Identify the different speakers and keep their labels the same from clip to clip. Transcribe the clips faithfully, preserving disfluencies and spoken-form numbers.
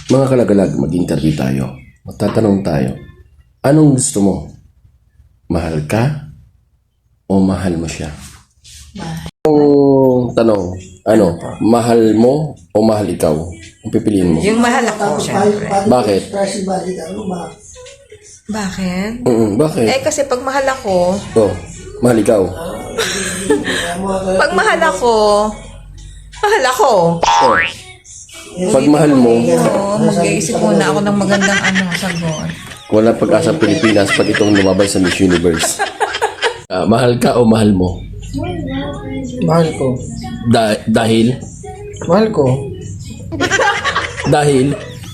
Speaker 1: Mga kalagalag, mag-interview tayo. Magtatanong tayo. Anong gusto mo? Mahal ka? O mahal mo siya? Ang tanong, ano? Mahal mo o mahal ikaw? Ang pipiliin mo?
Speaker 2: Yung mahal ako, syempre.
Speaker 1: Bakit?
Speaker 2: Bakit?
Speaker 1: Mm, bakit?
Speaker 2: Eh, kasi pag mahal ako,
Speaker 1: Oh, mahal ikaw.
Speaker 2: pag mahal ako, mahal ako.
Speaker 1: Oh. Pag mahal mo,
Speaker 2: Oo, mag-iisip muna ako ng magandang ano, sagot.
Speaker 1: wala pag-asa Pilipinas pag itong lumabas sa Miss Universe. Ah, mahal ka o mahal mo?
Speaker 3: Mahal ko.
Speaker 1: Da- dahil?
Speaker 3: Mahal ko.
Speaker 1: Dahil?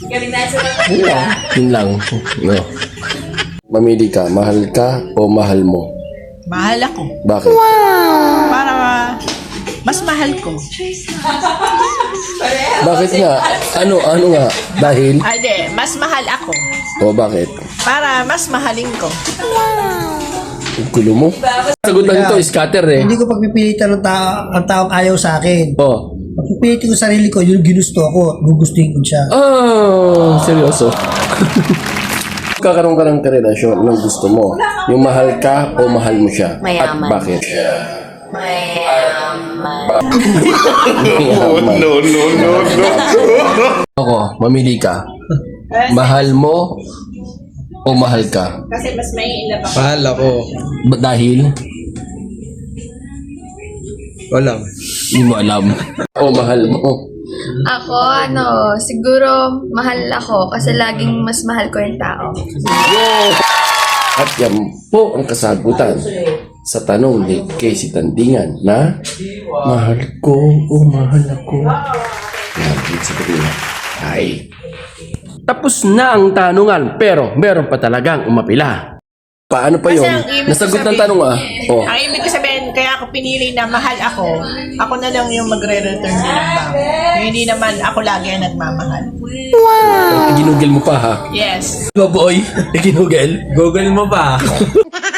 Speaker 1: Yun lang. No. Mamili ka, mahal ka o mahal mo?
Speaker 4: Mahal ako.
Speaker 1: Bakit?
Speaker 4: Para mas mahal ko.
Speaker 1: Bakit nga? Ano, ano nga? Dahil?
Speaker 4: Ade, mas mahal ako.
Speaker 1: O bakit?
Speaker 4: Para mas mahalin ko.
Speaker 1: Ang gulo mo. Sagutan nito, scatter eh.
Speaker 3: Hindi ko pagpipilitan ng tao, ang taong ayaw sa akin.
Speaker 1: Oh.
Speaker 3: Pagpipilitin ko sarili ko, yung ginusto ako, gugustuhin ko siya.
Speaker 1: Ah, seryoso. Kakaroon ka ng karelasyon ng gusto mo. Yung mahal ka o mahal mo siya.
Speaker 5: Mayaman.
Speaker 1: At bakit?
Speaker 5: Mayaman.
Speaker 1: no, no, no, no. Ako, mamili ka. Mahal mo o mahal ka?
Speaker 4: Kasi mas may ilab ako.
Speaker 3: Mahal ako.
Speaker 1: Ba- dahil?
Speaker 3: Wala.
Speaker 1: Hindi mo alam. O mahal mo.
Speaker 5: Ako, ano, siguro mahal ako kasi laging mas mahal ko yung tao.
Speaker 1: At yan po ang kasagutan sa tanong ni Casey Tandingan na mahal ko o mahal ako. Yan, sa kanila. Ay. Tapos na ang tanungan pero meron pa talagang umapila. Paano pa
Speaker 4: Kasi
Speaker 1: yun?
Speaker 4: ang ibig
Speaker 1: Nasagot ng
Speaker 4: sabihin-
Speaker 1: tanong ah. Oh.
Speaker 4: Ang ibig ko sabihin, kaya ako pinili na mahal ako, ako na lang yung magre-return din ng back. Hindi naman ako lagi ang nagmamahal.
Speaker 1: Ginugel mo pa ha?
Speaker 4: Yes.
Speaker 1: Diba boy? Ginugel?
Speaker 3: Google mo ba?